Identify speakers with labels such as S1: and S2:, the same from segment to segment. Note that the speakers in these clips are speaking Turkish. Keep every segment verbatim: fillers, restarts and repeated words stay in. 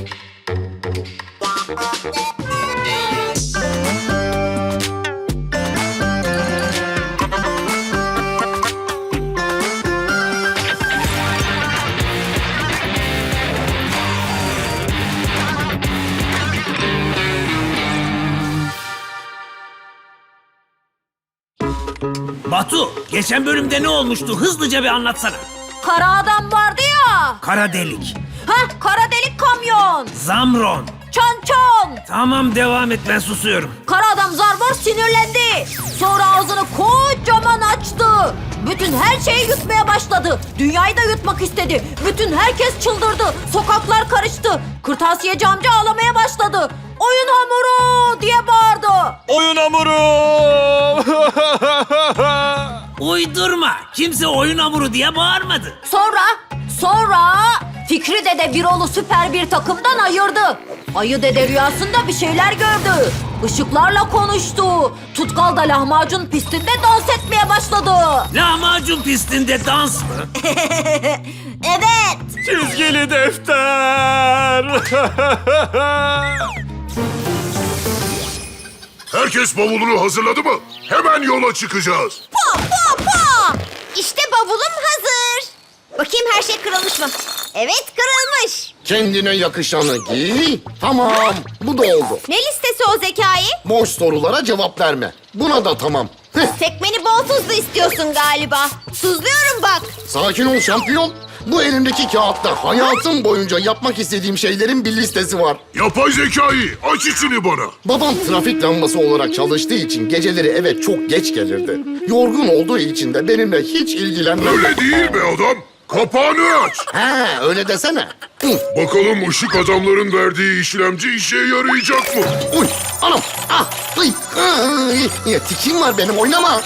S1: Batu, geçen bölümde ne olmuştu? Hızlıca bir anlatsana.
S2: Kara adam vardı ya.
S1: Kara delik.
S2: Heh, kara delik kamyon.
S1: Zamron.
S2: Çon çon.
S1: Tamam, devam et, ben susuyorum.
S2: Kara adam Zarvor sinirlendi. Sonra ağzını kocaman açtı. Bütün her şeyi yutmaya başladı. Dünyayı da yutmak istedi. Bütün herkes çıldırdı. Sokaklar karıştı. Kırtasiyeci amca ağlamaya başladı. Oyun hamuru diye bağırdı.
S3: Oyun hamuru!
S1: Uydurma. Kimse oyun hamuru diye bağırmadı.
S2: Sonra, sonra Fikri Dede Birol'u süper bir takımdan ayırdı. Ayı Dede rüyasında bir şeyler gördü. Işıklarla konuştu. Tutkal da lahmacun pistinde dans etmeye başladı.
S1: Lahmacun pistinde dans mı?
S2: Evet.
S3: Çizgili defter!
S4: Herkes bavulunu hazırladı mı? Hemen yola çıkacağız.
S5: Pa pa pa! İşte bavulum hazır. Bakayım her şey kırılmış mı? Evet, kırılmış.
S6: Kendine yakışanı giy. Tamam, bu da oldu.
S5: Ne listesi o Zekai?
S6: Boş sorulara cevap verme. Buna da tamam. Heh,
S5: Tekmeni bol tuzlu istiyorsun galiba. Tuzluyorum bak.
S6: sakin ol şampiyon. Bu elimdeki kağıtta hayatım boyunca yapmak istediğim şeylerin bir listesi var.
S4: Yapay zekayı aç içini bana.
S6: Babam trafik lambası olarak çalıştığı için geceleri eve çok geç gelirdi. Yorgun olduğu için de benimle hiç ilgilenmez.
S4: Öyle değil be adam. Kapağını aç.
S6: Ha, öyle desene. Hı,
S4: Bakalım ışık adamların verdiği işlemci işe yarayacak mı?
S6: uy, anam, ah, uy, ay, ya, tikim var benim, oynama.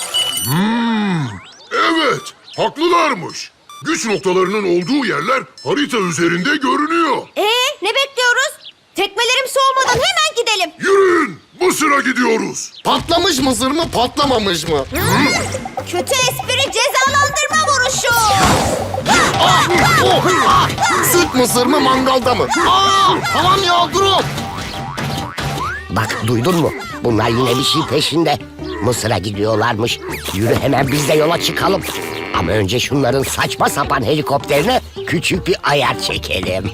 S4: Evet, haklılarmış. Güç noktalarının olduğu yerler harita üzerinde görünüyor.
S5: Ee, ne bekliyoruz? Tekmelerim soğumadan hemen gidelim.
S4: Yürüyün, Mısır'a gidiyoruz.
S6: Patlamış mısır mı, patlamamış mı?
S5: Kötü espri cezalandırma vuruşu.
S6: Ah, oh, ah, süt mısır mı, mangalda mı? Aa, tamam ya, durun.
S7: Bak duydun mu? Bunlar yine bir şey peşinde. Mısır'a gidiyorlarmış. Yürü hemen biz de yola çıkalım. Ama önce şunların saçma sapan helikopterine küçük bir ayar çekelim.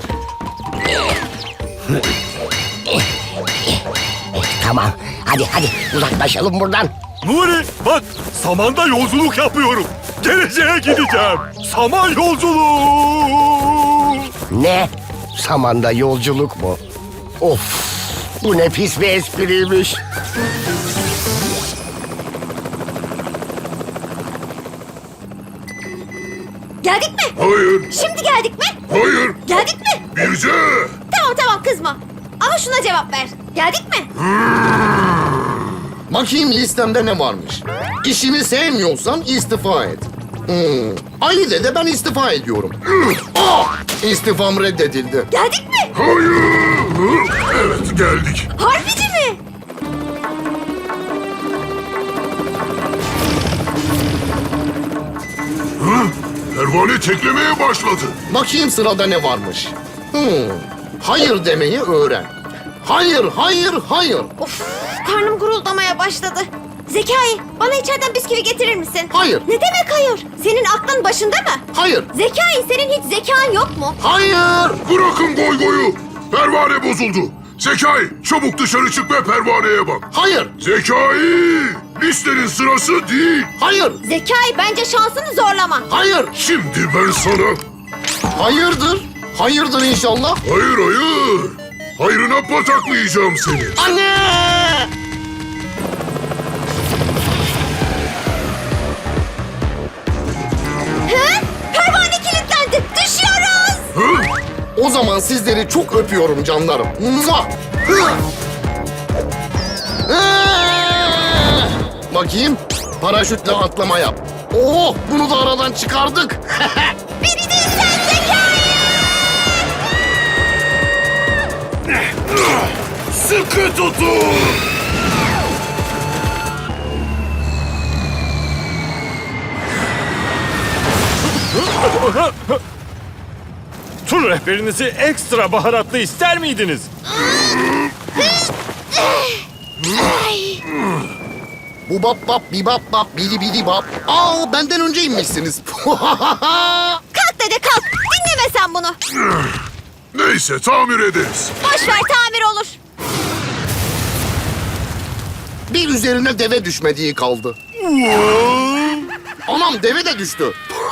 S7: Tamam. Hadi hadi uzaklaşalım buradan.
S3: Nuri bak, samanda yolculuk yapıyorum. Geleceğe gideceğim. Saman yolculuğu.
S7: Ne? Samanda yolculuk mu? Of! Bu ne pis bir espriymiş.
S5: Geldik mi?
S4: Hayır,
S5: Şimdi geldik mi?
S4: hayır,
S5: Geldik mi?
S4: Birce.
S5: Tamam tamam kızma. Ama şuna cevap ver. Geldik mi?
S6: Bakayım listemde ne varmış. İşini sevmiyorsan istifa et. Hmm. Ali de ben istifa ediyorum. Ah! İstifam reddedildi.
S5: Geldik mi?
S4: Hayır. Evet, geldik.
S5: Harbici mi?
S4: Pervane teklemeye başladı.
S6: Bakayım sırada ne varmış. Hmm. Hayır demeyi öğren. Hayır, hayır, hayır.
S5: Of, karnım guruldamaya başladı. Zekai, bana içeriden bisküvi getirir misin?
S6: Hayır.
S5: Ne demek hayır? Senin aklın başında mı?
S6: Hayır,
S5: Zekai, senin hiç zekan yok mu?
S6: hayır.
S4: Bırakın goy goyu. Pervane bozuldu. Zekai, çabuk dışarı çık ve pervaneye bak.
S6: Hayır,
S4: Zekai, listenin sırası değil.
S6: hayır,
S5: Zekai, bence şansını zorlama.
S6: hayır.
S4: Şimdi ben sana...
S6: Hayırdır? Hayırdır inşallah.
S4: Hayır, hayır. Hayrına pataklayacağım seni.
S6: Anne!
S5: Hı? Pervane kilitlendi. Düşüyoruz.
S4: Hı?
S6: O zaman sizleri çok öpüyorum canlarım. Muah! Hı! Ee! Bakayım, paraşütle atlama yap. Oh, bunu da aradan çıkardık.
S5: Beni değil sen Zekai.
S4: Sıkı tutun.
S3: Tuna! Tur rehberinizi ekstra baharatlı ister miydiniz?
S6: Bu bap bap bi bap bap bidi bidi bap. Aa benden önce inmişsiniz.
S5: Kalk dede kalk. Dinleme sen bunu.
S4: Neyse tamir ederiz.
S5: Boş ver tamir olur.
S6: Bir üzerine deve düşmediği kaldı. Anam deve de düştü.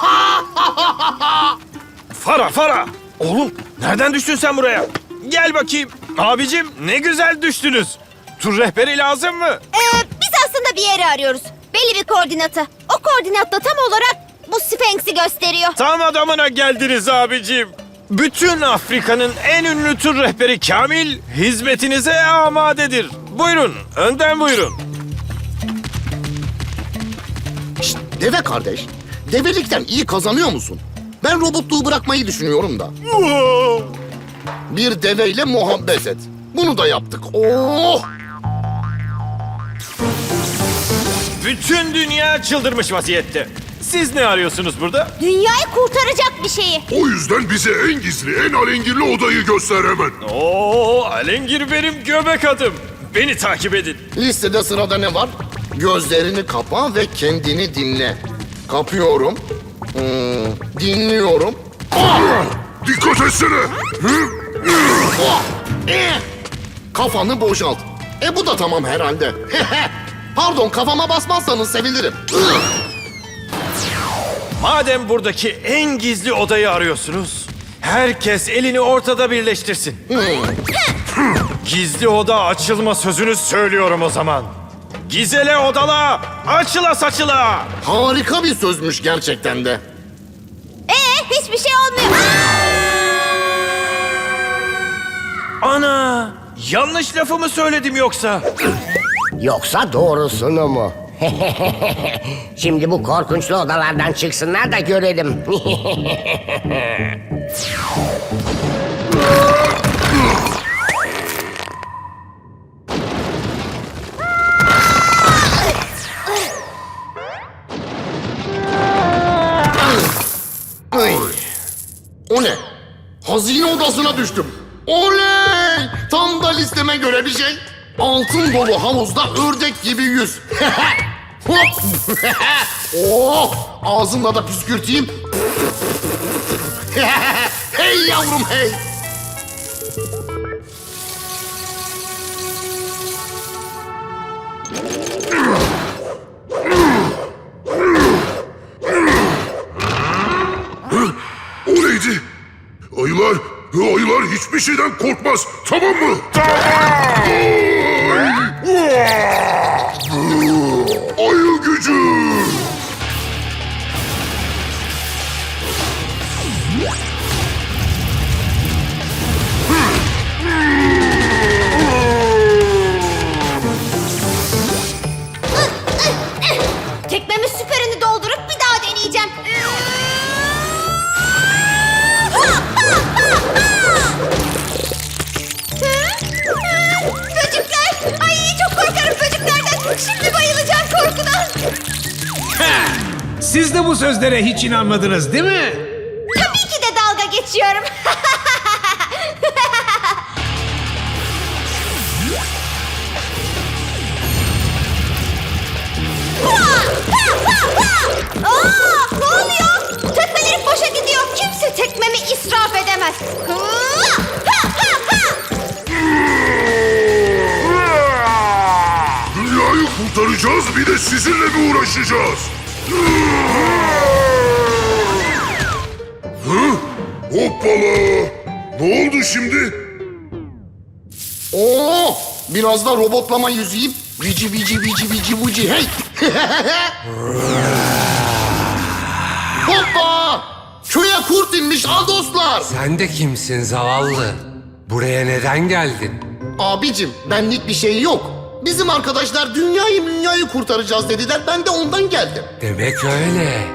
S3: Fara Fara! Oğlum nereden düştün sen buraya? Gel bakayım. Abicim ne güzel düştünüz. Tur rehberi lazım mı?
S5: Ee, biz aslında bir yeri arıyoruz. Belli bir koordinatı. O koordinatta tam olarak bu Sphinx'i gösteriyor.
S3: Tam adamına geldiniz abicim. Bütün Afrika'nın en ünlü tur rehberi Kamil hizmetinize amadedir. Buyurun, önden buyurun.
S6: Şşt, deve kardeş. Develikten iyi kazanıyor musun? Ben robotluğu bırakmayı düşünüyorum da. Bir deveyle muhabbet et. Bunu da yaptık. Oh!
S3: Bütün dünya çıldırmış vaziyette. Siz ne arıyorsunuz burada?
S5: Dünyayı kurtaracak bir şeyi.
S4: O yüzden bize en gizli, en alengirli odayı göster hemen.
S3: Oo, Alengir benim göbek adım. Beni takip edin.
S6: Listede sırada ne var? Gözlerini kapa ve kendini dinle. Kapıyorum. Hmm, dinliyorum.
S4: Dikkat etsene. Hı?
S6: Oh! Eh! Kafanı boşalt. E bu da tamam herhalde. Pardon kafama basmazsanız sevinirim.
S3: Madem buradaki en gizli odayı arıyorsunuz, herkes elini ortada birleştirsin. Gizli oda açılma sözünü söylüyorum o zaman. Gizele odala, açıla saçıla.
S6: Harika bir sözmüş gerçekten de.
S5: Ee, hiçbir şey olmuyor.
S3: Ana, yanlış lafı mı söyledim yoksa?
S7: Yoksa doğrusunu mu? Şimdi bu korkunçlu odalardan çıksınlar da görelim.
S6: Ay. O ne? Hazine odasına düştüm. Oley! Tam da listeme göre bir şey. Altın dolu havuzda ördek gibi yüz. Hop! Oh! Ağzımla da püskürteyim. Hey yavrum hey!
S4: O neydi? Ayılar, ayılar hiçbir şeyden korkmaz. Tamam mı? Tamam. Ayı gücü.
S5: Tekmemin süperini doldurup bir daha deneyeceğim. Böcekler! Ay çok korkarım böceklerden. Şimdi bayılacağım korkudan.
S1: Siz de bu sözlere hiç inanmadınız değil mi?
S5: Tabii ki de dalga geçiyorum. Aa, ne oluyor? Tekmelerim boşa gidiyor. Kimse tekmemi israf edemez.
S4: Dünyayı kurtaracağız, bir de sizinle mi uğraşacağız? Hı? Hoppala! Ne oldu şimdi?
S6: Oh! Biraz da robotlama yüzeyim. Vici vici vici vici vici hey! Hoppa! Köye kurt inmiş al dostlar.
S8: Sen de kimsin zavallı? Buraya neden geldin?
S6: Abicim benlik bir şey yok. Bizim arkadaşlar dünyayı dünyayı kurtaracağız dediler. Ben de ondan geldim.
S8: Demek öyle.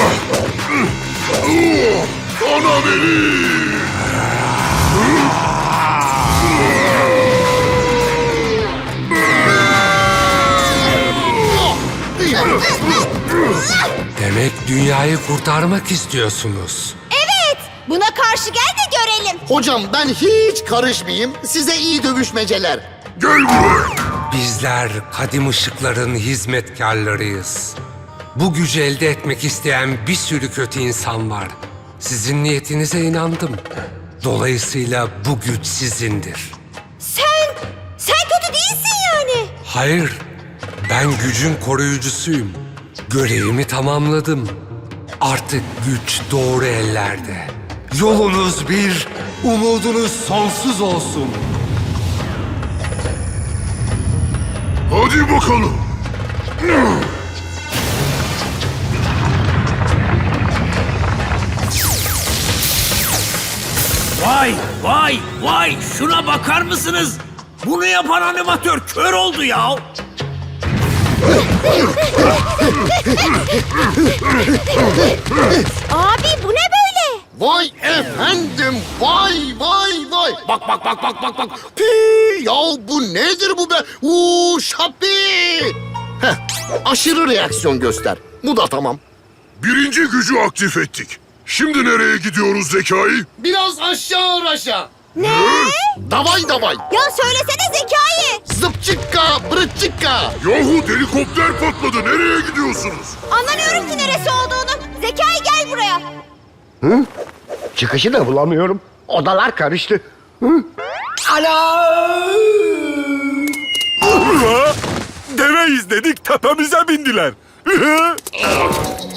S4: Ana beni!
S8: dünyayı kurtarmak istiyorsunuz.
S5: Evet. Buna karşı gel de görelim.
S6: Hocam ben hiç karışmayayım. Size iyi dövüşmeceler.
S4: Gel buraya.
S8: Bizler kadim ışıkların hizmetkarlarıyız. Bu gücü elde etmek isteyen bir sürü kötü insan var. Sizin niyetinize inandım. Dolayısıyla bu güç sizindir.
S5: Sen, sen kötü değilsin yani.
S8: Hayır, ben gücün koruyucusuyum. Görevimi tamamladım. Artık güç doğru ellerde. Yolunuz bir, umudunuz sonsuz olsun.
S4: Hadi bakalım.
S1: Vay vay vay şuna bakar mısınız? Bunu yapan animatör kör oldu ya.
S5: Abi bu ne böyle?
S6: Vay efendim, vay vay vay. Bak bak bak bak bak bak. Pi, ya bu nedir bu be? Uuu şapi. Heh, aşırı reaksiyon göster. Bu da tamam.
S4: Birinci gücü aktif ettik. Şimdi nereye gidiyoruz Zekai?
S6: Biraz aşağı aşağı. Ne? Davay davay.
S5: Ya söylesene Zekai.
S6: Zıpçıkka, bırıçıkka.
S4: Yahu helikopter patladı. Nereye gidiyorsunuz?
S5: Anlamıyorum ki neresi olduğunu. Zekai gel buraya.
S7: Çıkışı da bulamıyorum. Odalar karıştı. Hı? Ana!
S3: Deve izledik tepemize bindiler.